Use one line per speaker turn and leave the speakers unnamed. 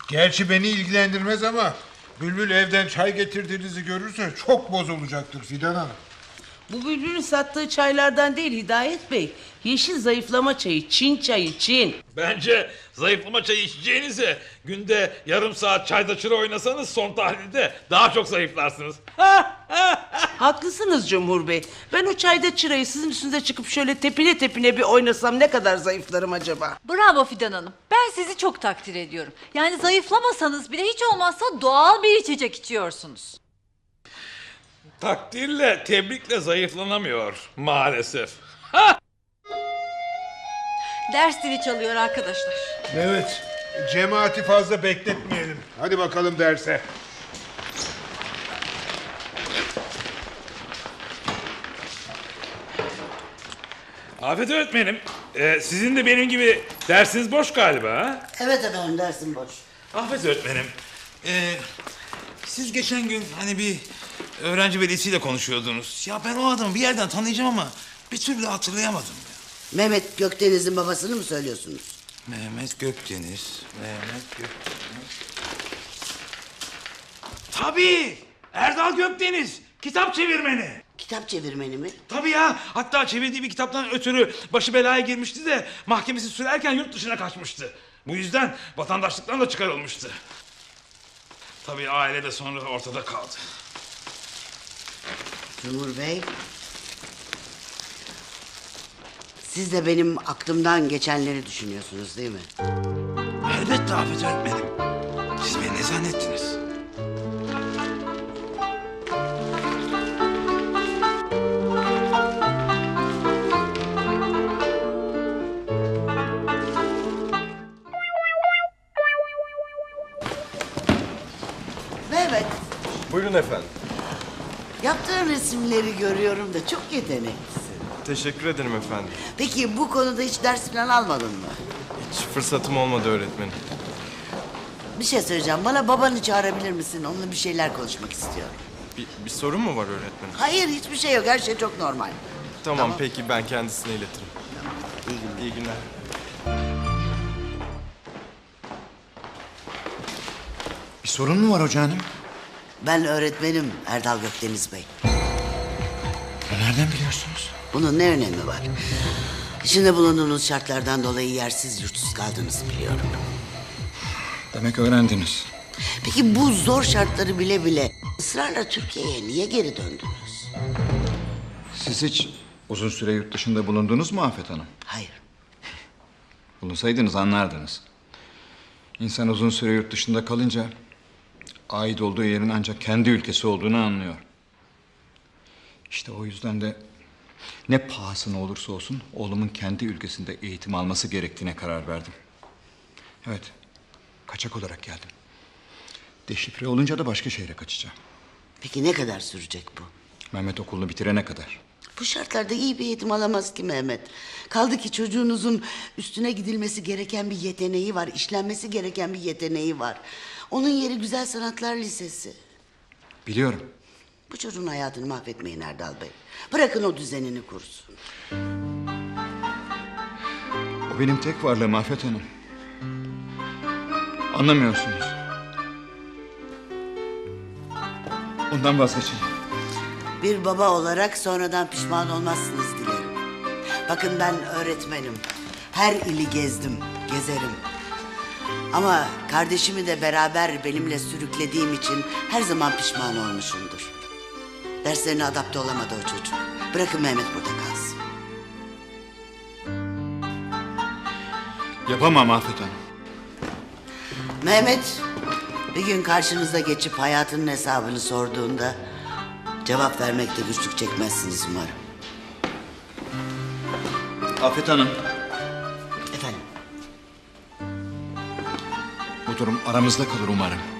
Gerçi beni ilgilendirmez ama Bülbül evden çay getirdiğinizi görürse çok bozulacaktır Fidan Hanım.
Bu Bülbül'ün sattığı çaylardan değil Hidayet Bey. Yeşil zayıflama çayı, Çin çayı, Çin.
Bence zayıflama çayı içeceğinize günde yarım saat çayda çıra oynasanız son tahlilde daha çok zayıflarsınız.
Haklısınız Cumhur Bey. Ben o çayda çırayı sizin üstünüze çıkıp şöyle tepine tepine bir oynasam ne kadar zayıflarım acaba?
Bravo Fidan Hanım. Ben sizi çok takdir ediyorum. Yani zayıflamasanız bile hiç olmazsa doğal bir içecek içiyorsunuz.
Takdirle, tebrikle zayıflanamıyor maalesef.
Ders zili çalıyor arkadaşlar.
Evet, cemaati fazla bekletmeyelim. Hadi bakalım derse.
Afet öğretmenim, sizin de benim gibi dersiniz boş galiba ha?
Evet efendim, dersim boş.
Afet öğretmenim, siz geçen gün hani bir öğrenci velisiyle konuşuyordunuz. Ya ben o adamı bir yerden tanıyacağım ama bir türlü hatırlayamadım ya.
Mehmet Gökdeniz'in babasını mı söylüyorsunuz?
Mehmet Gökdeniz. Tabii, Erdal Gökdeniz, kitap çevirmeni.
Kitap çevirmeni mi?
Tabii ya, hatta çevirdiği bir kitaptan ötürü başı belaya girmişti de mahkemesi sürerken yurt dışına kaçmıştı. Bu yüzden vatandaşlıktan da çıkarılmıştı. Tabii aile de sonra ortada kaldı.
Cumhur Bey. Siz de benim aklımdan geçenleri düşünüyorsunuz değil mi?
Elbette Afet öğretmenim. Siz beni ne zannettiniz?
Mehmet,
Buyurun efendim.
yaptığın resimleri görüyorum da çok yeteneklisin.
Teşekkür ederim efendim.
Peki bu konuda hiç ders falan almadın mı?
Hiç fırsatım olmadı öğretmenim.
Bir şey söyleyeceğim. Bana babanı çağırabilir misin? Onunla bir şeyler konuşmak istiyorum.
Bir sorun mu var öğretmenim?
Hayır, hiçbir şey yok. Her şey çok normal.
Tamam, peki ben kendisine iletirim.
İyi günler.
İyi günler.
Bir sorun mu var hoca hanım?
Ben öğretmenim Erdal Gökdeniz Bey.
Nereden biliyorsunuz?
Bunun ne önemi var? İçinde bulunduğunuz şartlardan dolayı yersiz yurtsuz kaldığınızı biliyorum.
Demek öğrendiniz.
Peki bu zor şartları bile bile ısrarla Türkiye'ye niye geri döndünüz?
Siz hiç uzun süre yurt dışında bulundunuz mu Afet Hanım?
Hayır.
Bulunsaydınız anlardınız. İnsan uzun süre yurt dışında kalınca ait olduğu yerin ancak kendi ülkesi olduğunu anlıyor. İşte o yüzden de ne pahasına olursa olsun oğlumun kendi ülkesinde eğitim alması gerektiğine karar verdim. Evet, kaçak olarak geldim. Deşifre olunca da başka şehre kaçacağım.
Peki ne kadar sürecek bu?
Mehmet okulunu bitirene kadar.
Bu şartlarda iyi bir eğitim alamaz ki Mehmet. Kaldı ki çocuğunuzun üstüne gidilmesi gereken bir yeteneği var. İşlenmesi gereken bir yeteneği var. Onun yeri Güzel Sanatlar Lisesi.
Biliyorum.
Bu çocuğun hayatını mahvetmeyin Erdal Bey. Bırakın o düzenini kursun.
O benim tek varlığım Afet Hanım. Anlamıyorsunuz. Ondan vazgeçin.
Bir baba olarak sonradan pişman olmazsınız dilerim. Bakın ben öğretmenim. Her ili gezdim, gezerim. Ama kardeşimi de beraber benimle sürüklediğim için her zaman pişman olmuşumdur. Derslerine adapte olamadı o çocuk. Bırakın Mehmet burada kalsın.
Yapamam Afet Hanım.
Mehmet bir gün karşınıza geçip hayatının hesabını sorduğunda cevap vermekte güçlük çekmezsiniz umarım.
Afet Hanım,
Efendim?
bu durum aramızda kalır umarım.